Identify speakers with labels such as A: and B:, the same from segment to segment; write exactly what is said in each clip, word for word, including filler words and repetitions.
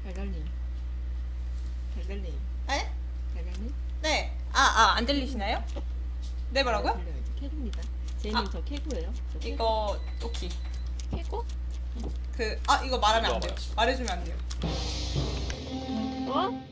A: 달달님. 달달님.
B: 에?
A: 달달님?
B: 네. 아, 아, 안 들리시나요? 네, 뭐라고요?
A: 들려야지. 캐고입니다. 제이님
B: 아.
A: 저 캐고예요. 저 캐고.
B: 이거, 오케이.
A: 캐고?
B: 그, 아, 이거 말하면 안 돼요. 말해주면 안 돼요.
A: 어?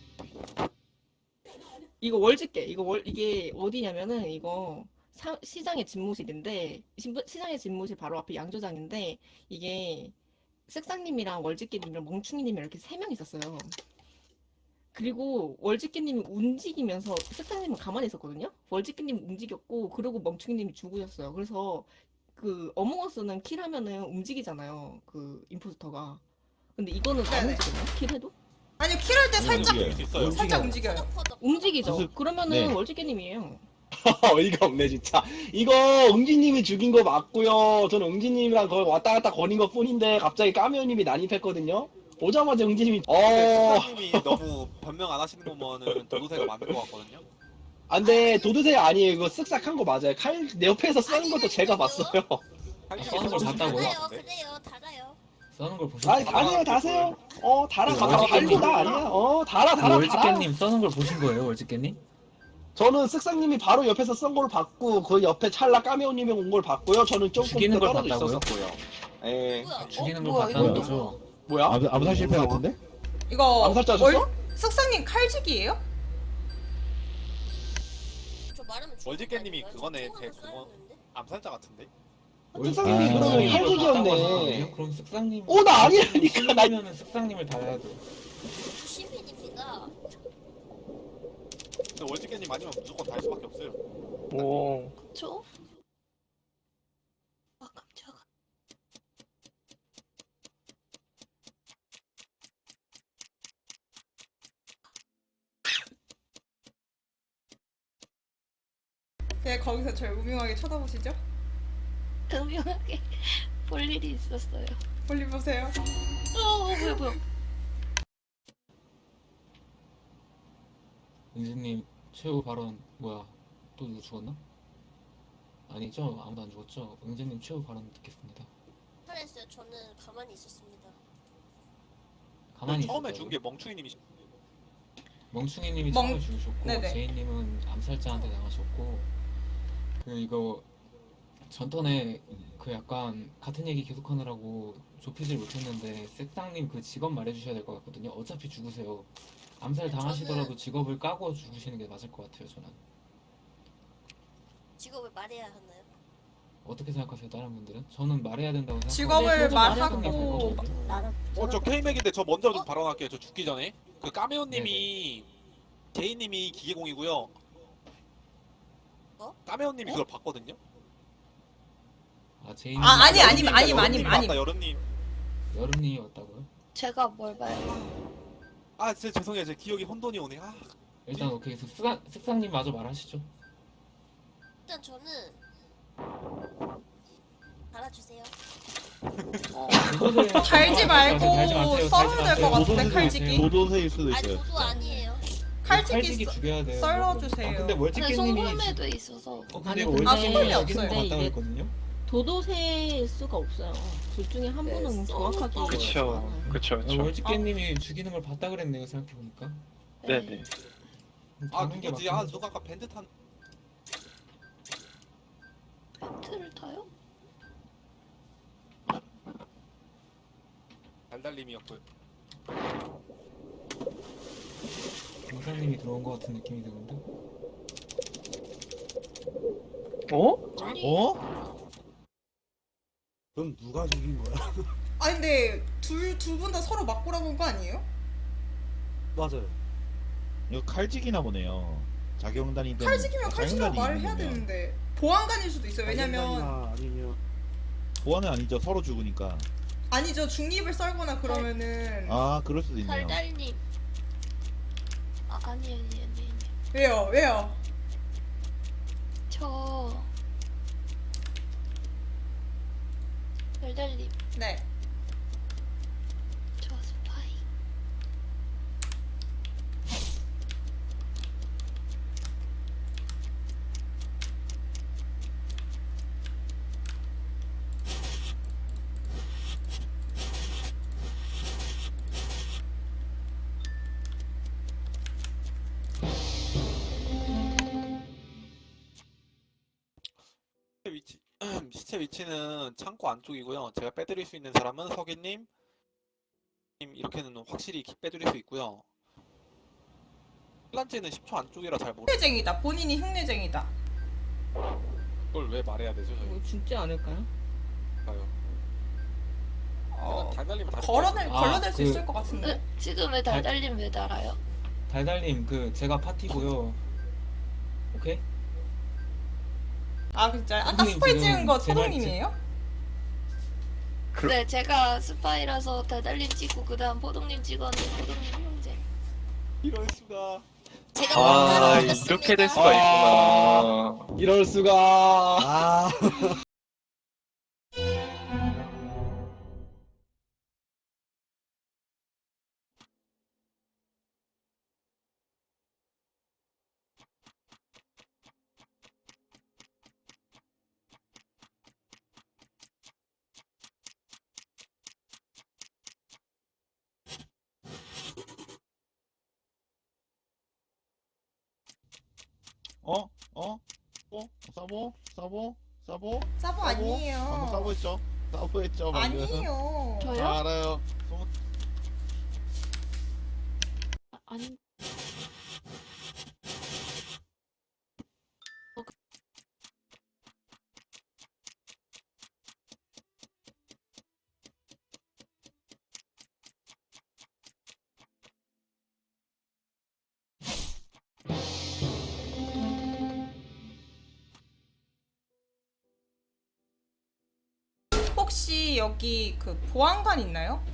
A: 이거 월집게. 이거 월, 이게 어디냐면은 이거 사, 시장의 집무실인데, 신- 시장의 집무실 바로 앞에 양조장인데, 이게 색상님이랑 월집게님이랑 멍충이님이 이렇게 세 명 있었어요. 그리고 월집게님이 움직이면서 색상님은 가만히 있었거든요. 월집게님 움직였고 그리고 멍충이님이 죽으셨어요. 그래서 그 어몽어스는 킬하면은 움직이잖아요. 그 임포스터가. 근데 이거는 안
B: 네네.
A: 움직이나요? 킬해도?
B: 아니요, 킬할 때 살짝,
C: 움직여요.
D: 수 있어요.
B: 살짝 움직여요.
A: 움직이죠.
C: 무슨-
A: 그러면은
C: 네.
A: 월집게님이에요.
D: 어이가 없네 진짜. 이거 응지님이 죽인 거 맞고요. 저는 응지님이랑 거의 왔다 갔다 거린 것 뿐인데 갑자기 까미오님이 난입했거든요. 보자마자 응지님이 어
E: 스타님이 너무 변명 안 하시는 거면은 도도새가 맞는 것 같거든요.
D: 안돼 도드새 아니에요. 이거 쓱싹한 거 맞아요. 칼 내 옆에서 쓰는 것도 제가 봤어요.
E: 칼집이
F: 걸
E: 좀
F: 봤다고요?
E: 있는 것
G: 달아요,
E: 같은데?
G: 그래요, 달아요.
F: 써는 걸 보신
D: 아니
F: 거예요?
D: 아니에요 다세요. 어 달아
F: 그
D: 달아
F: 월지깨님.
D: 달고 다 아니야. 어 달아 달아 달아.
F: 월지깨님 써는 걸 보신 거예요, 월지깨님?
D: 저는 쓱싹님이 바로 옆에서 쓴 걸 봤고 그 옆에 찰나 까미오님이 온 걸 봤고요. 저는 조금
F: 죽이는 걸
D: 떨어져
F: 봤다고요?
D: 있었고요. 예.
G: 뭐야?
F: 죽이는
B: 어,
F: 걸
B: 뭐야,
F: 봤다는
B: 이거
F: 거죠.
D: 뭐야?
C: 암, 암살 실패 같은데?
B: 이거,
D: 암살자셨어?
B: 월, 석상님 칼직이에요?
G: 저 말하면 죽을
E: 월지깨님이
G: 거 아니에요?
E: 그거네,
G: 저
E: 제
G: 총알을
E: 그거.
G: 쏘였는데?
E: 암살자 같은데?
D: 쓱싹님이
C: 아.
D: 그러면
F: 이걸 봤다고
D: 칼직이었네.
F: 하셨거든요? 그럼 쓱상님.
D: 어, 나 아니라니까, 나-
F: 신이면은 쓱상님을 달아야 돼.
G: 시민입니다.
E: 근데 월지깨님 아니면 무조건 달 수밖에 없어요.
D: 오.
G: 저? 아, 깜짝아.
B: 네, 거기서 절 우명하게 쳐다보시죠?
G: 음흉하게 볼 일이 있었어요.
B: 볼리 보세요.
G: 어, 뭐야, 뭐야.
F: 은지님 최후 발언 뭐야? 또 누구 죽었나? 아니죠? 아무도 안 죽었죠? 은지님 최후 발언 듣겠습니다.
G: 잘했어요. 저는 가만히 있었습니다.
F: 가만히
E: 처음에
F: 있었다고요?
E: 죽은 게 멍충이님이
F: 멍충이님이
B: 멍-
F: 처음에 죽으셨고
B: 네네.
F: 제이님은 암살자한테 당하셨고 그 이거 전턴에 그 약간 같은 얘기 계속하느라고 좁히질 못했는데 색상님 그 직업 말해주셔야 될 것 같거든요. 어차피 죽으세요. 암살 당하시더라도
G: 저는-
F: 직업을 까고 죽으시는 게 맞을 것 같아요. 저는
G: 직업을 말해야 하나요?
F: 어떻게 생각하세요, 다른 분들은? 저는 말해야 된다고 생각하고
B: 직업을
A: 저도
B: 말하고
F: 말하고
E: 어, 저 K맥인데 저 먼저 좀 발언할게요. 저 죽기 전에. 그 까메오님이 제이님이 기계공이고요.
G: 어?
E: 까메오님이 그걸 봤거든요.
F: 아 제이님
B: 아, 아니, 아니,
E: 여름님,
B: 아니, 아니,
E: 여름님이
B: 아니.
E: 봤다, 여름님.
F: 여름님이 왔다고요?
G: 제가 뭘 봐요?
E: 아, 진짜 죄송해요. 제 기억이 혼돈이 오네. 아,
F: 일단 오케이 색상 색상님 마저 말하시죠.
G: 일단 저는 달아주세요.
B: 달지 말고 썰어야 될 것 같은데,
C: 도도새-
B: 칼직이.
C: 도도새일 수도
G: 아니,
C: 있어요.
G: 저도 아니에요.
B: 칼직이
F: 칼직이
B: 써-
F: 죽여야 돼요.
B: 썰어주세요.
F: 아, 근데
G: 근데
F: 월지깨님이
G: 송금에도 있어서.
F: 어, 근데
A: 아니,
F: 이거
A: 근데-
F: 월지깨님이
B: 아, 송금이
F: 죽이는 거
B: 없어요.
F: 같다고
A: 근데
F: 했거든요.
A: 도도새일 수가 없어요. 둘 중에 한
G: 네,
A: 분은
G: 써-
A: 정확하게.
H: 그쵸.
A: 알아요.
H: 그쵸,
F: 아,
H: 그쵸.
F: 월지깨님이 죽이는 걸 봤다 그랬네요. 생각해 보니까.
H: 네네.
E: 아 누구지? 아 누가 아까 밴드 탄.
G: 벤트를 타요?
E: 달달님이었고요.
F: 공사님이 들어온 것 같은 느낌이 드는데.
H: 어?
C: 어?
I: 그럼 누가 죽인 거야?
B: 아니, 근데 둘, 두 분 다 서로 맞고라고 한 거 아니에요?
I: 맞아요.
C: 이거 칼직이나 보네요. 자경단이든
B: 칼직이면 칼직이라고
C: 자경단이
B: 말을 해야
C: 있으면.
B: 되는데. 보안관일 수도 있어요. 왜냐면,
I: 자경단이나 아니면
C: 보안은 아니죠. 서로 죽으니까.
B: 아니죠. 중립을 썰거나 그러면은.
C: 아 그럴 수도 있네요.
G: 달달님. 아, 아니, 아니, 아니, 아니.
B: 왜요? 왜요?
G: 저. 달달님.
B: 네.
G: 저 스파이.
E: 시체 위치는 창고 안쪽이고요. 제가 빼드릴 수 있는 사람은 석이님, 님 이렇게는 확실히 기- 빼드릴 수 있고요. 플란지는 십 초 안쪽이라 잘 모르.
B: 흉내쟁이다. 본인이 흉내쟁이다.
E: 그걸 왜 말해야 되죠,
A: 이거 죽지 않을까요?
E: 저희가요.
B: 어,
E: 달달님 다시
B: 걸어낼,
F: 아,
B: 걸러낼 수
F: 그-
B: 있을 것 같은데.
G: 으, 지금 왜 달달님 왜 달아요?
F: 달달님 그 제가 파티고요. 오케이?
B: 아 진짜 아까
F: 선생님
B: 스파이
F: 지금
B: 찍은 거
F: 제 말-
B: 초동님이에요?
H: 그-
G: 네, 제가 스파이라서 달달님 찍고 그다음 포동님 찍었는데 포동님 형제.
E: 이럴 수가.
G: 제가
H: 아,
G: 만들어놨습니다.
H: 이렇게 될 수가
D: 아.
H: 있구나.
D: 이럴 수가.
I: 아,
C: 어? 어? 어? 사보? 사보? 사보?
B: 사보
C: 방금
B: 아니에요.
C: 사보했죠? 사보했죠 방금.
B: 아니에요.
G: 저요?
C: 아, 알아요. 소문-
G: 아니.
B: 혹시 여기 그 보안관 있나요?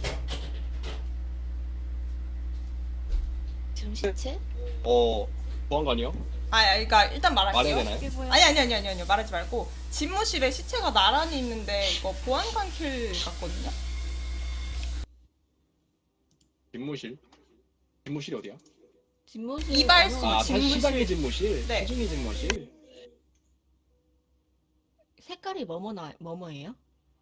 G: 지금 시체?
D: 어, 보안관이요?
B: 아, 그러니까 일단 말할게요.
D: 말해야 되나요?
G: 이게 뭐야?
B: 아니 아니 아니 아니 아니 말하지 말고 집무실에 시체가 나란히 있는데 이거 보안관 킬 같거든요.
D: 집무실. 집무실이 어디야?
A: 집무실
B: 이발소.
A: 어느-
D: 아,
B: 집무실.
D: 시장의 집무실.
B: 네.
D: 시중의 집무실.
A: 색깔이 뭐뭐나 뭐뭐예요?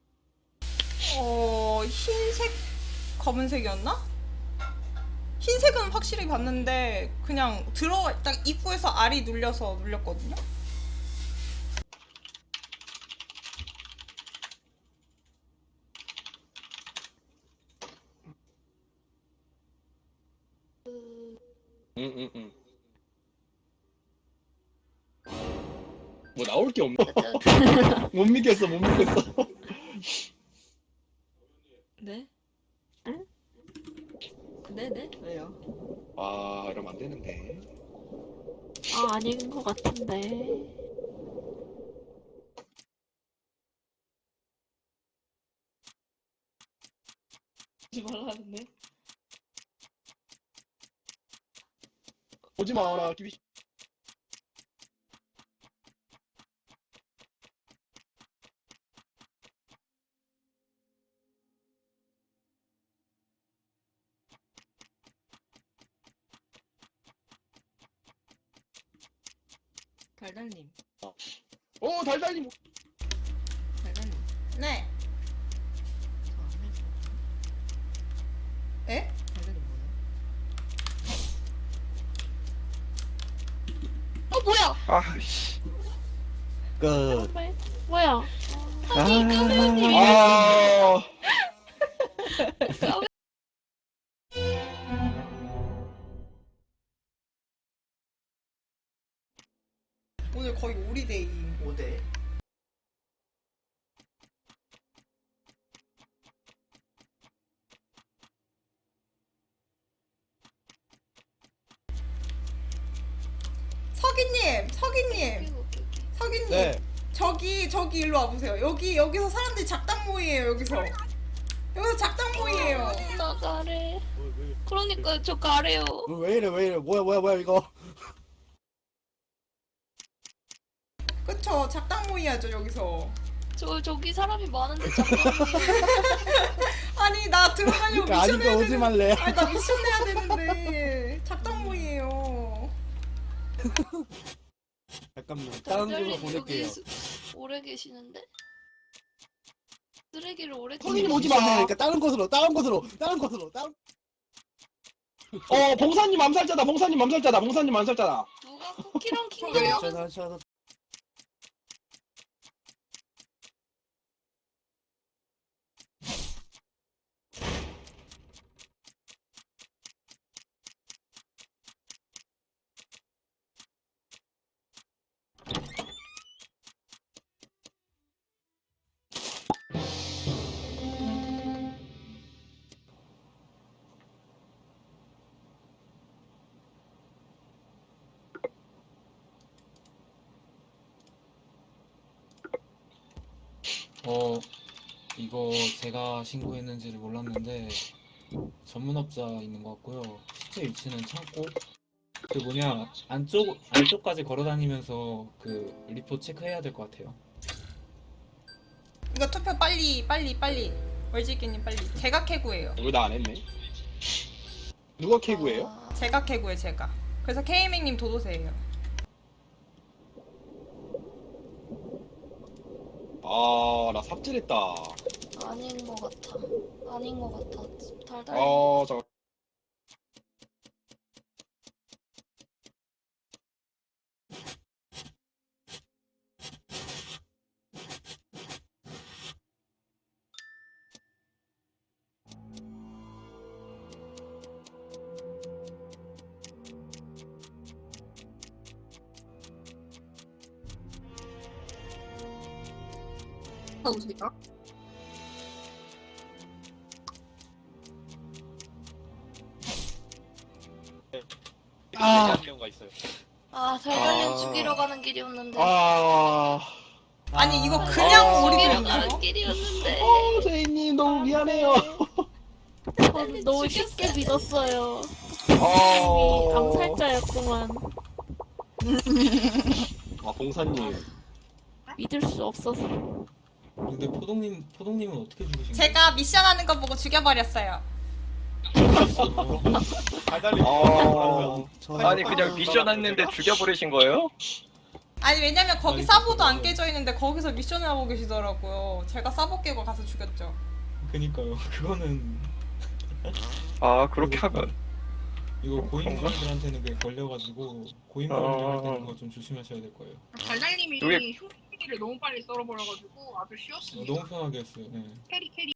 B: 어 흰색 검은색이었나? 흰색은 확실히 봤는데 그냥 들어가 딱 입구에서 알이 눌려서 눌렸거든요.
D: 응, 응, 응. 뭐 나올 게 없나? 못 믿겠어, 못 믿겠어.
A: 네? 응? 네네 왜요?
D: 아, 이러면 안 되는데.
G: 아, 아닌 것 같은데.
A: 하지 말라는데?
D: 오지 마라, 기비.
A: 달달님
D: 어, 달달님.
A: 달달님
B: 네.
A: 저안 해줘.
B: 에?
A: 달달님 뭐예요?
G: 어, 뭐야?
H: 아, 씨.
I: 끝.
G: 정말? 뭐야?
H: 아,
G: 아니, 까매님이
D: 아,
G: 까매.
B: 오늘 거의 오리데이인 거.
I: 오대.
B: 서기님, 서기님,
G: 오케이, 오케이, 오케이.
B: 서기님.
I: 네.
B: 저기 저기 일로 와보세요. 여기 여기서 사람들이 작당 모이에요. 여기서 여기서 작당 모이에요.
G: 나 가래.
I: 왜, 왜,
G: 그러니까 저 가래요.
I: 왜 이래 왜 이래 뭐야 뭐야 뭐야 이거.
B: 그쵸? 작당 모이야죠 여기서.
G: 저 저기 사람이 많은데 잠깐만.
B: 아니 나 들어가려고
I: 그러니까
B: 미션
I: 아직도
B: 해야
I: 오지
B: 되는.
I: 말래.
B: 아니 나 미션 내야 되는데 작당 모이에요.
I: 잠깐만 다른
G: 달달님
I: 곳으로 보낼게요.
G: 여기 수- 오래 계시는데? 쓰레기를 오래
D: 선생님 오지
I: 미션
D: 마.
I: 해야 되니까 다른 곳으로 다른 곳으로 다른 곳으로 다른.
D: 어, 봉사님 암살자다, 봉사님 암살자다, 봉사님 암살자다.
G: 누가 쿠키랑 킹이에요?
I: 저, 저, 저,
F: 어, 이거 제가 신고했는지를 몰랐는데 전문업자 있는 것 같고요. 실제 위치는 창고. 그 뭐냐 안쪽 안쪽까지 걸어다니면서 그 리포트 체크해야 될 것 같아요.
B: 이거 투표 빨리 빨리 빨리 월지기님 빨리. 제가 캐구예요.
D: 이거 나 안 했네. 누가 캐구예요?
G: 아,
B: 제가 캐구예요 제가. 그래서 케이맥님 도도새예요.
D: 아, 나 삽질했다.
G: 아닌 것 같아. 아닌 것 같아. 달달.
D: 아, 잠깐.
A: 나오십니까?
E: 아. 한 경우가 있어요.
G: 아, 달달님
H: 아.
G: 죽이러 가는 길이었는데.
D: 아,
B: 아니 이거 그냥
D: 아.
B: 오리
G: 죽이러
B: 들었나요?
G: 가는 길이었는데.
D: 어, 제이님 너무 미안해요.
G: 저는
J: 너무 쉽게 믿었어요.
D: 어,
J: 암살자였구만.
D: 아, 봉사님.
J: 믿을 수 없어서.
F: 근데 포동님 포동님은 어떻게 죽으신 거예요?
B: 제가 미션하는 거 보고 죽여버렸어요.
E: 달달님.
D: 아,
H: 아니 그냥 미션 했는데 죽여버리신 거예요?
B: 아니 왜냐면 거기
F: 아니,
B: 사보도 안
F: 그거는-
B: 깨져 있는데 거기서 미션을 하고 계시더라고요. 제가 사보 깨고 가서 죽였죠.
F: 그니까요. 그거는
H: 아 그렇게 하면
F: 이거 고인물들한테는 그게 걸려가지고 고인물들 할 때는
H: 아.
F: 그거 좀 조심하셔야 될 거예요.
A: 달달님이
H: 여기-
A: 흉기를 너무 빨리 썰어버려가지고 아주 쉬웠습니다.
F: 너무 편하게 했어요. 네.
A: 캐리 캐리.